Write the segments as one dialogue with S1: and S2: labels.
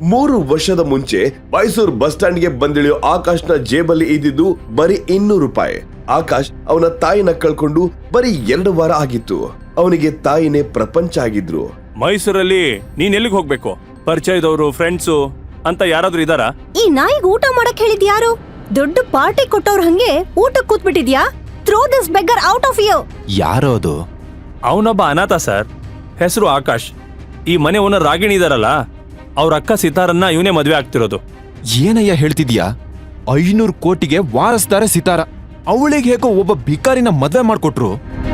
S1: 3 ವರ್ಷದ ಮುಂಚೆ ಮೈಸೂರು ಬಸ್ ಸ್ಟ್ಯಾಂಡ್ಗೆ ಬಂದಿಳಿಯೋ ಆಕಾಶ್ನ ಜೇಬಲ್ಲಿ ಇದ್ದಿದ್ದು ಬರೀ 200 ರೂಪಾಯಿ. ಆಕಾಶ್ ಅವನ ತಾಯಿನ ಕಳ್ಕೊಂಡು ಬರೀ 2 ವಾರ ಆಗಿತ್ತು. ಅವನಿಗೆ ತಾಯಿನೇ ಪ್ರಪಂಚ ಆಗಿದ್ರು.
S2: ಮೈಸೂರಲ್ಲಿ ನೀನ್ ಎಲ್ಲಿಗೆ ಹೋಗ್ಬೇಕು? ಪರಿಚಯದವರು, ಫ್ರೆಂಡ್ಸು ಅಂತ ಯಾರಾದ್ರೂ ಇದಾರಾ?
S3: ಈ ನಾಯಿಗ್ ಊಟ ಮಾಡಕ್ ಹೇಳಿದ್ ಯಾರು? ದೊಡ್ಡ ಪಾರ್ಟಿ ಕೊಟ್ಟವ್ರ ಹಂಗೆ ಊಟಕ್ಕೆ ಕೂತ್ಬಿಟ್ಟಿದ್ಯಾ? Throw this beggar out of you.
S4: ಯಾರೋ ಅದು?
S2: ಅವನೊಬ್ಬ ಅನಾಥ ಸರ್, ಹೆಸರು ಆಕಾಶ್. ಈ ಮನೆ ಓನರ್ ರಾಗಿಣಿ ಇದಾರಲ್ಲ, ಅವ್ರ ಅಕ್ಕ ಸಿತಾರನ್ನ ಇವನೇ ಮದ್ವೆ ಆಗ್ತಿರೋದು.
S4: ಏನಯ್ಯ ಹೇಳ್ತಿದ್ಯಾ? 500 ಕೋಟಿಗೆ ವಾರಸ್ದಾರೆ ಸಿತಾರ. ಅವಳಿಗೆ ಹೇಗೋ ಒಬ್ಬ ಭಿಕಾರಿನ ಮದ್ವೆ ಮಾಡ್ಕೊಟ್ರು.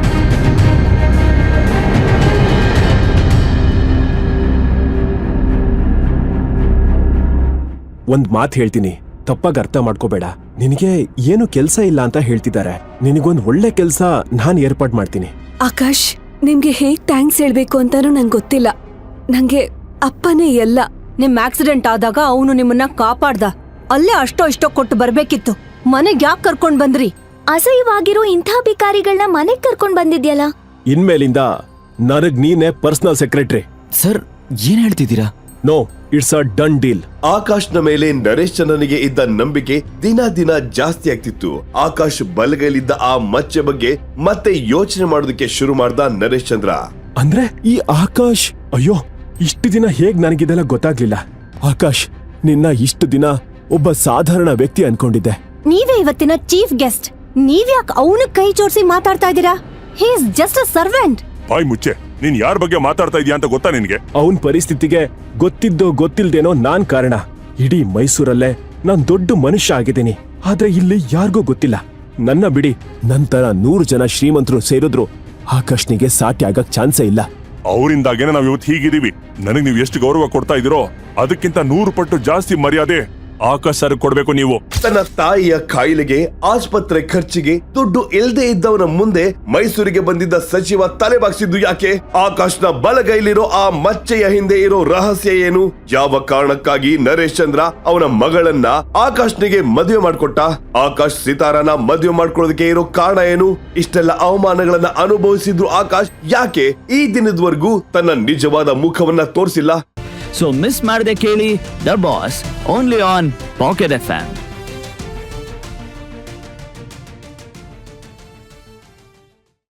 S5: ಒಂದ್ ಮಾತು ಹೇಳ್ತೀನಿ, ತಪ್ಪಾಗಿ ಅರ್ಥ ಮಾಡ್ಕೋಬೇಡ. ನಿನಗೆ ಏನು ಕೆಲ್ಸ ಇಲ್ಲ ಅಂತ ಹೇಳ್ತಿದ್ದಾರೆ. ನಿನಗೊಂದ್ ಒಳ್ಳೆ ಕೆಲ್ಸ ನಾನ್ ಏರ್ಪಾಡ್ ಮಾಡ್ತೀನಿ.
S6: ಆಕಾಶ್, ನಿಮ್ಗೆ ಹೇಗ್ ಥ್ಯಾಂಕ್ಸ್ ಹೇಳ್ಬೇಕು ಅಂತಾನೂ ನಂಗೆ ಗೊತ್ತಿಲ್ಲ. ನಂಗೆ ಅಪ್ಪನೇ ಎಲ್ಲ.
S3: ನಿಮ್ ಆಕ್ಸಿಡೆಂಟ್ ಆದಾಗ ಅವನು ನಿಮ್ಮನ್ನ ಕಾಪಾಡ್ದ. ಅಲ್ಲೇ ಅಷ್ಟೋ ಇಷ್ಟೋ ಕೊಟ್ಟು ಬರ್ಬೇಕಿತ್ತು. ಮನೆಗ್ ಯಾಕೆ ಕರ್ಕೊಂಡ್ ಬಂದ್ರಿ?
S7: ಅಸಹ್ಯವಾಗಿರೋ ಇಂಥ ಭಿಕಾರಿಗಳನ್ನ ಮನೆಗ್ ಕರ್ಕೊಂಡ್ ಬಂದಿದ್ಯಲ್ಲ.
S5: ಇನ್ಮೇಲಿಂದ ನನಗ್ ನೀನೇ ಪರ್ಸನಲ್ ಸೆಕ್ರೆಟರಿ.
S4: ಸರ್, ಏನ್ ಹೇಳ್ತಿದ್ದೀರಾ?
S5: No, it's a done deal.
S1: ಆಕಾಶ್ನ ಮೇಲೆ ನರೇಶ್ ಚಂದ್ರನಿಗೆ ಇದ್ದ ನಂಬಿಕೆ ದಿನ ಜಾಸ್ತಿ ಆಗ್ತಿತ್ತು. ಆಕಾಶ್ ಬಲಗೈಲಿದ್ದ ಆ ಮಚ್ಚೆ ಬಗ್ಗೆ ಮತ್ತೆ ಯೋಚನೆ ಮಾಡೋದಕ್ಕೆ ಶುರು ಮಾಡ್ದ ನರೇಶ್ ಚಂದ್ರ.
S5: ಅಂದ್ರೆ ಈ ಆಕಾಶ್, ಅಯ್ಯೋ ಇಷ್ಟು ದಿನ ಹೇಗ್ ನನಗಿದೆಲ್ಲ ಗೊತ್ತಾಗ್ಲಿಲ್ಲ. ಆಕಾಶ್, ನಿನ್ನ ಇಷ್ಟು ದಿನ ಒಬ್ಬ ಸಾಧಾರಣ ವ್ಯಕ್ತಿ ಅನ್ಕೊಂಡಿದ್ದೆ.
S3: ನೀವೇ ಇವತ್ತಿನ ಚೀಫ್ ಗೆಸ್ಟ್. ನೀವ್ಯಾಕ್ ಅವನ ಕೈ ಜೋಡಿಸಿ ಮಾತಾಡ್ತಾ ಇದ್ದೀರಾ? He is just a servant.
S8: ಬಾಯ್ ಮುಚ್ಚೆ. ನೀನ್ ಯಾರ ಬಗ್ಗೆ ಮಾತಾಡ್ತಾ ಇದೀಯ ಅಂತ ಗೊತ್ತಾ ನಿನ್ಗೆ?
S5: ಅವನ್ ಪರಿಸ್ಥಿತಿಗೆ ಗೊತ್ತಿದ್ದೋ ಗೊತ್ತಿಲ್ದೇನೋ ನಾನ್ ಕಾರಣ. ಇಡೀ ಮೈಸೂರಲ್ಲೇ ನಾನ್ ದೊಡ್ಡ ಮನುಷ್ಯ ಆಗಿದ್ದೀನಿ. ಆದ್ರೆ ಇಲ್ಲಿ ಯಾರಿಗೂ ಗೊತ್ತಿಲ್ಲ. ನನ್ನ ಬಿಡಿ, ನಂತರ 100 ಜನ ಶ್ರೀಮಂತರು ಸೇರಿದ್ರು ಆಕಾಶ್ನಿಗೆ ಸಾಟಿ ಆಗಕ್ ಚಾನ್ಸೇ ಇಲ್ಲ.
S8: ಅವರಿಂದಾಗೇನೆ ನಾವ್ ಇವತ್ತು ಹೀಗಿದೀವಿ. ನನಗ್ ನೀವು ಎಷ್ಟು ಗೌರವ ಕೊಡ್ತಾ ಇದೀರೋ ಅದಕ್ಕಿಂತ 100 ಪಟ್ಟು ಜಾಸ್ತಿ ಮರ್ಯಾದೆ ಆಕಾಶ್ ಸರ್ ಕೊಡ್ಬೇಕು ನೀವು.
S1: ತನ್ನ ತಾಯಿಯ ಕಾಯಿಲೆಗೆ ಆಸ್ಪತ್ರೆ ಖರ್ಚಿಗೆ ದುಡ್ಡು ಇಲ್ದೇ ಇದ್ದವನ ಮುಂದೆ ಮೈಸೂರಿಗೆ ಬಂದಿದ್ದ ಸಚಿವ ತಲೆಬಾಗ್ಸಿದ್ದು ಯಾಕೆ? ಆಕಾಶ್ನ ಬಲಗೈಲಿರೋ ಆ ಮಚ್ಚೆಯ ಹಿಂದೆ ಇರೋ ರಹಸ್ಯ ಏನು? ಯಾವ ಕಾರಣಕ್ಕಾಗಿ ನರೇಶ್ ಚಂದ್ರ ಅವನ ಮಗಳನ್ನ ಆಕಾಶ್ನಿಗೆ ಮದುವೆ ಮಾಡ್ಕೊಟ್ಟ? ಆಕಾಶ್ ಸಿತಾರನ ಮದುವೆ ಮಾಡ್ಕೊಳ್ಳೋದಕ್ಕೆ ಇರೋ ಕಾರಣ ಏನು? ಇಷ್ಟೆಲ್ಲ ಅವಮಾನಗಳನ್ನ ಅನುಭವಿಸಿದ್ರು ಆಕಾಶ್ ಯಾಕೆ ಈ ದಿನದವರೆಗೂ ತನ್ನ ನಿಜವಾದ ಮುಖವನ್ನ ತೋರಿಸಿಲ್ಲ?
S9: ಸೊ ಮಿಸ್ ಮಾಡದೆ ಕೇಳಿ the boss, only on pocket FM.